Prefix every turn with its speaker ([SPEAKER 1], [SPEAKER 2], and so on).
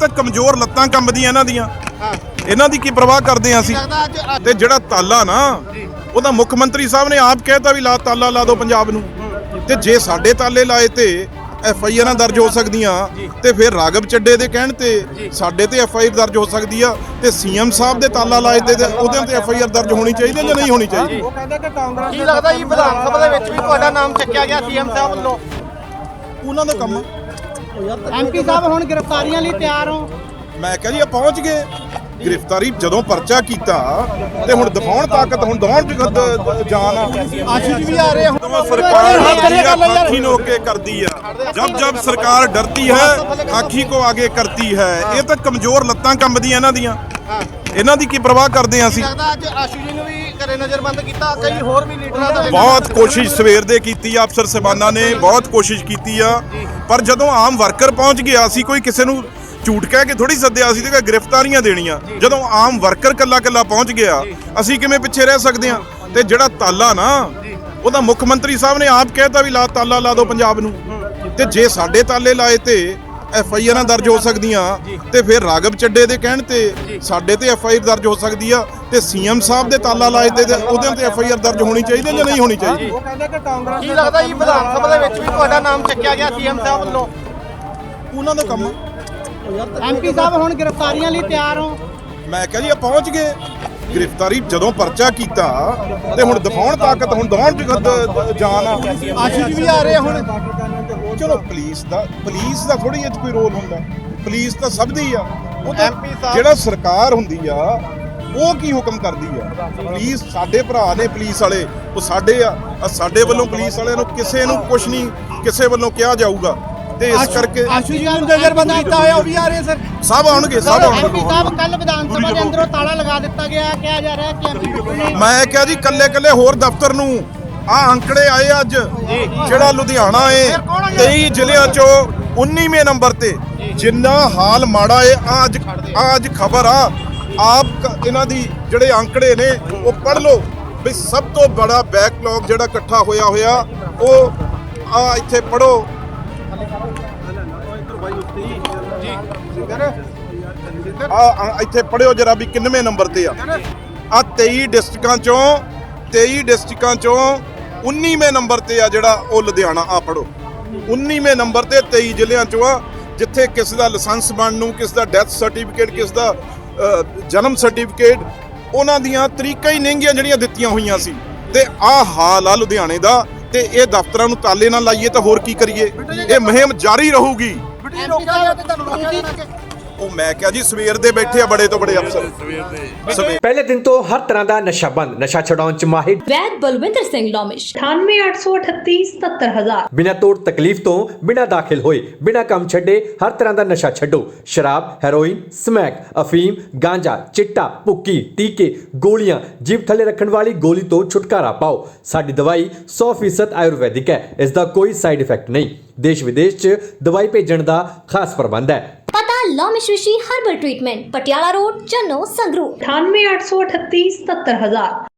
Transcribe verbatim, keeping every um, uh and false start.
[SPEAKER 1] ਤਾਂ ਕਮਜ਼ੋਰ ਲੱਤਾਂ ਕੰਬਦੀਆਂ ਇਹਨਾਂ ਦੀਆਂ। ਇਹਨਾਂ ਦੀ ਕੀ ਪਰਵਾਹ ਕਰਦੇ ਆ ਅਸੀਂ? ਤੇ ਜਿਹੜਾ ਤਾਲਾ ਨਾ ਉਹਦਾ ਮੁੱਖ ਮੰਤਰੀ ਸਾਹਿਬ ਨੇ ਆਪ ਕਹਿਤਾ ਵੀ ਲਾ ਤਾਲਾ ਲਾ ਦਿਓ ਪੰਜਾਬ ਨੂੰ। ਤੇ ਜੇ ਸਾਡੇ ਤਾਲੇ ਲਾਏ ਤੇ ਐਫ ਆਈ ਆਰਾਂ ਦਰਜ ਹੋ ਸਕਦੀਆਂ ਤੇ ਫਿਰ ਰਾਘਵ ਚੱਡੇ ਦੇ ਕਹਿਣ ਤੇ ਸਾਡੇ ਤੇ ਐਫ ਆਈ ਆਰ ਦਰਜ ਹੋ ਸਕਦੀ ਆ। ਤੇ ਸੀ ਐਮ ਸਾਹਿਬ ਦੇ ਤਾਲਾ ਲਾਏ ਤੇ ਉਹਦੇ ਤੇ ਐਫ ਆਈ ਆਰ ਦਰਜ ਹੋਣੀ ਚਾਹੀਦੀ ਜਾਂ ਨਹੀਂ ਹੋਣੀ ਚਾਹੀਦੀ?
[SPEAKER 2] ਉਹ ਕਹਿੰਦੇ ਕਿ ਕਾਂਗਰਸ ਕੀ ਲੱਗਦਾ ਜੀ ਵਿਧਾਨ ਸਭਾ ਦੇ ਵਿੱਚ ਵੀ ਤੁਹਾਡਾ ਨਾਮ ਚੱਕਿਆ ਗਿਆ ਸੀ ਐਮ ਸਾਹਿਬ ਵੱਲੋਂ?
[SPEAKER 1] ਉਹਨਾਂ ਦਾ ਕੰਮ।
[SPEAKER 3] ਐਮ ਪੀ ਸਾਹਿਬ ਹੁਣ ਗ੍ਰਿਫਤਾਰੀਆਂ ਲਈ ਤਿਆਰ ਹੋ?
[SPEAKER 1] ਮੈਂ ਕਿਹਾ ਜੀ ਆ ਪਹੁੰਚ ਗਏ। ਗ੍ਰਿਫਤਾਰੀ ਜਦੋਂ ਪਰਚਾ ਕੀਤਾ ਤੇ ਹੁਣ ਦਿਖਾਉਣ ਤਾਕਤ, ਹੁਣ ਦੌਣ ਚ ਜਾਨ ਆ।
[SPEAKER 2] ਆਸ਼ੀਸ਼ ਵੀ ਆ ਰਹੇ ਹੁਣ।
[SPEAKER 1] सरकार खाकी को आगे करती है, जब जब सरकार डरती है खाकी को आगे करती है। ये तो कमजोर लत्तां कंबदियां इन्हां दियां। इन्हां दी की परवाह करदे हां असीं?
[SPEAKER 2] ਲੱਗਦਾ ਅੱਜ ਆਸ਼ੂ ਜੀ ਨੂੰ ਵੀ ਘਰੇ ਨਜ਼ਰਬੰਦ ਕੀਤਾ, ਕਈ ਹੋਰ ਵੀ ਲੀਡਰਾਂ ਦਾ
[SPEAKER 1] बहुत कोशिश सवेर दे कीती आ, अफसर साहबाना ने बहुत कोशिश कीती आ, पर जदों आम वर्कर पहुंच गया असीं कोई किसी नूं ਝੂਠ ਕਹਿ ਕੇ ਥੋੜੀ ਸੱਦਿਆ ਸੀ ਤੇ ਗ੍ਰਿਫਤਾਰੀਆਂ ਦੇਣੀਆਂ। ਜਦੋਂ ਆਮ ਵਰਕਰ ਕੱਲਾ ਕੱਲਾ ਪਹੁੰਚ ਗਿਆ ਅਸੀਂ ਕਿਵੇਂ ਪਿੱਛੇ ਰਹਿ ਸਕਦੇ ਹਾਂ? ਤੇ ਜਿਹੜਾ ਤਾਲਾ ਨਾ ਉਹਦਾ ਮੁੱਖ ਮੰਤਰੀ ਸਾਹਿਬ ਨੇ ਆਪ ਕਹਿਤਾ ਵੀ ਲਾ ਤਾਲਾ ਲਾ ਦਿਓ ਪੰਜਾਬ ਨੂੰ। ਤੇ ਜੇ ਸਾਡੇ ਤਾਲੇ ਲਾਏ ਤੇ ਐਫ ਆਈ ਆਰਾਂ ਦਰਜ ਹੋ ਸਕਦੀਆਂ ਤੇ ਫਿਰ ਰਾਘਵ ਚੱਡੇ ਦੇ ਕਹਿਣ ਤੇ ਸਾਡੇ ਤੇ ਐਫ ਆਈ ਆਰ ਦਰਜ ਹੋ ਸਕਦੀ ਆ। ਤੇ ਸੀ ਐਮ ਸਾਹਿਬ ਦੇ ਤਾਲਾ ਲਾਏ ਤੇ ਉਹਦੇ ਤੇ ਐਫ ਆਈ ਆਰ ਦਰਜ ਹੋਣੀ ਚਾਹੀਦੀ ਜਾਂ ਨਹੀਂ ਹੋਣੀ ਚਾਹੀਦੀ?
[SPEAKER 2] ਉਹ ਕਹਿੰਦੇ ਕਿ ਕਾਂਗਰਸ ਕੀ ਲੱਗਦਾ ਜੀ ਵਿਧਾਨ ਸਭਾ ਦੇ ਵਿੱਚ ਵੀ ਤੁਹਾਡਾ ਨਾਮ ਚੱਕਿਆ ਗਿਆ ਸੀ ਐਮ ਸਾਹਿਬ ਵੱਲੋਂ?
[SPEAKER 1] ਉਹਨਾਂ ਦਾ ਕੰਮ।
[SPEAKER 3] ਐਮ ਪੀ ਸਾਹਿਬ ਹੁਣ ਗ੍ਰਿਫਤਾਰੀਆਂ ਲਈ ਤਿਆਰ ਹੋ?
[SPEAKER 1] ਮੈਂ ਕਿਹਾ ਜੀ ਆ ਪਹੁੰਚ ਗਏ। ਗ੍ਰਿਫਤਾਰੀ ਜਦੋਂ ਪਰਚਾ ਕੀਤਾ ਤੇ ਹੁਣ ਦਿਖਾਉਣ ਤਾਕਤ, ਹੁਣ ਦੌਣ ਚ ਜਾਨ ਆ।
[SPEAKER 2] ਆਸ਼ੀਸ਼ ਵੀ ਆ ਰਹੇ ਹੁਣ।
[SPEAKER 1] ਚਲੋ ਪੁਲਿਸ ਦਾ ਪੁਲਿਸ ਦਾ ਥੋੜੀ ਇਹ 'ਚ ਕੋਈ ਰੋਲ ਹੁੰਦਾ। ਪੁਲਿਸ ਤਾਂ ਸਭ ਦੀ ਆ। ਉਹ ਤਾਂ
[SPEAKER 2] ਐਮ ਪੀ ਸਾਹਿਬ
[SPEAKER 1] ਜਿਹੜਾ ਸਰਕਾਰ ਹੁੰਦੀ ਆ ਉਹ ਕੀ ਹੁਕਮ ਕਰਦੀ ਆ। ਪੁਲਿਸ ਸਾਡੇ ਭਰਾ ਨੇ, ਪੁਲਿਸ ਵਾਲੇ ਉਹ ਸਾਡੇ ਆ। ਸਾਡੇ ਵੱਲੋਂ ਪੁਲਿਸ ਵਾਲਿਆਂ ਨੂੰ ਕਿਸੇ ਨੂੰ ਕੁਝ ਨਹੀਂ ਕਿਸੇ ਵੱਲੋਂ ਕਿਹਾ ਜਾਊਗਾ। ਤੇ ਇਸ ਕਰਕੇ
[SPEAKER 2] ਆਸ਼ੂ ਜੀ ਨੂੰ ਨਜ਼ਰਬੰਦ ਕੀਤਾ ਹੋਇਆ, ਉਹ ਵੀ ਆ ਰਹੇ ਸਰ।
[SPEAKER 1] ਸਭ ਆਉਣਗੇ, ਸਭ
[SPEAKER 3] ਐਮ ਪੀ
[SPEAKER 1] ਆਉਣਗੇ।
[SPEAKER 3] ਸਾਹਿਬ ਕੱਲ ਵਿਧਾਨ ਸਭਾ ਦੇ ਅੰਦਰੋਂ ਤਾਲਾ ਲਗਾ ਦਿੱਤਾ ਗਿਆ, ਕਿਹਾ ਜਾ ਰਿਹਾ ਕਿ ਐਮ ਪੀ ਬਿੱਟੂ ਨੇ
[SPEAKER 1] ਮੈਂ ਕਿਹਾ ਜੀ ਕੱਲੇ ਕੱਲੇ ਹੋਰ ਦਫ਼ਤਰ ਨੂੰ ਆ ਅੰਕੜੇ ਆਏ ਅੱਜ। ਜਿਹੜਾ ਲੁਧਿਆਣਾ ਏ ਤੇਈ ਜ਼ਿਲ੍ਹਿਆਂ ਚੋਂ ਉਨ੍ਹੀਵੇਂ ਨੰਬਰ ਤੇ। ਜਿੰਨਾ ਹਾਲ ਮਾੜਾ ਏ ਆ ਅੱਜ ਆ ਅੱਜ ਖਬਰ ਆ ਆਪ ਇਹਨਾਂ ਦੀ ਜਿਹੜੇ ਅੰਕੜੇ ਨੇ ਉਹ ਪੜ੍ਹ ਲਓ ਵੀ ਸਭ ਤੋਂ ਬੜਾ ਬੈਕਲੌਗ ਜਿਹੜਾ ਇਕੱਠਾ ਹੋਇਆ ਹੋਇਆ ਉਹ ਆ ਇੱਥੇ ਪੜ੍ਹੋ। ਆ ਇੱਥੇ ਪੜਿਓ ਜਰਾ ਵੀ ਕਿੰਨਵੇਂ ਨੰਬਰ ਤੇ ਆ। ਆ ਤੇਈ ਡਿਸਟ੍ਰਿਕਾਂ ਚੋਂ ਤੇਈ ਡਿਸਟ੍ਰਿਕਾਂ ਚੋਂ ਉਨ੍ਹੀਵੇਂ ਨੰਬਰ ਤੇ ਆ ਜਿਹੜਾ ਉਹ ਲੁਧਿਆਣਾ। ਆ ਪੜੋ ਉਨ੍ਹੀਵੇਂ ਨੰਬਰ ਤੇ ਤੇਈ ਜ਼ਿਲ੍ਹਿਆਂ ਚੋਂ ਆ ਜਿੱਥੇ ਕਿਸ ਦਾ ਲਾਇਸੈਂਸ ਬਣਨ ਨੂੰ, ਕਿਸ ਦਾ ਡੈਥ ਸਰਟੀਫਿਕੇਟ, ਕਿਸ ਦਾ ਜਨਮ ਸਰਟੀਫਿਕੇਟ, ਉਹਨਾਂ ਦੀਆਂ ਤਰੀਕਾਂ ਹੀ ਨਹੀਂਗੀਆਂ ਜਿਹੜੀਆਂ ਦਿੱਤੀਆਂ ਹੋਈਆਂ ਸੀ। ਤੇ ਆ ਹਾਲ ਆ ਲੁਧਿਆਣੇ ਦਾ। ਤੇ ਇਹ ਦਫ਼ਤਰਾਂ ਨੂੰ ਤਾਲੇ ਨਾਲ ਲਾਈਏ ਤਾਂ ਹੋਰ ਕੀ ਕਰੀਏ? ਇਹ ਮੁਹਿੰਮ ਜਾਰੀ ਰਹੂਗੀ। ਉਹ ਮੈਂ ਕਿਹਾ ਜੀ ਸਵੇਰ ਦੇ ਬੈਠੇ ਆ ਬੜੇ ਤੋਂ ਬੜੇ ਅਫਸਰ।
[SPEAKER 4] ਪਹਿਲੇ ਦਿਨ ਤੋਂ ਹਰ ਤਰ੍ਹਾਂ ਦਾ ਨਸ਼ਾ ਬੰਦ, ਨਸ਼ਾ ਛਡਾਉਣ ਚ ਮਾਹਿਰ
[SPEAKER 5] ਵੈਦ ਬਲਵਿੰਦਰ ਸਿੰਘ ਲੋਮਿਸ਼ ਅਠਾਨਵੇਂ ਅੱਠ ਸੌ ਅਠੱਤੀ ਸਤੱਤਰ ਹਜ਼ਾਰ।
[SPEAKER 4] ਬਿਨਾਂ ਤੋੜ ਤਕਲੀਫ ਤੋਂ, ਬਿਨਾਂ ਦਾਖਲ ਹੋਏ, ਬਿਨਾਂ ਕੰਮ ਛੱਡੇ ਹਰ ਤਰ੍ਹਾਂ ਦਾ ਨਸ਼ਾ ਛੱਡੋ। ਸ਼ਰਾਬ, ਹੈਰੋਇਨ, ਸਮੈਕ, ਅਫੀਮ, ਗਾਂਜਾ, ਚਿੱਟਾ, ਭੁੱਕੀ, ਟੀਕੇ, ਗੋਲੀਆਂ, ਜੀਭ ਥੱਲੇ ਰੱਖਣ ਵਾਲੀ ਗੋਲੀ ਤੋਂ ਛੁਟਕਾਰਾ ਪਾਓ। ਸਾਡੀ ਦਵਾਈ ਸੌ ਫੀਸਦ ਆਯੁਰਵੈਦਿਕ ਹੈ। ਇਸ ਦਾ ਕੋਈ ਸਾਈਡ ਇਫੈਕਟ ਨਹੀਂ। ਦੇਸ਼ ਵਿਦੇਸ਼ ਚ ਦਵਾਈ ਭੇਜਣ ਦਾ ਖਾਸ ਪ੍ਰਬੰਧ ਹੈ।
[SPEAKER 5] ਪਤਾ Lomish Rishi herbal treatment, Patiala road, Channo, Sangrur ਅਠਾਨਵੇਂ ਅੱਠ ਸੌ ਅਠੱਤੀ ਸਤੱਤਰ ਹਜ਼ਾਰ।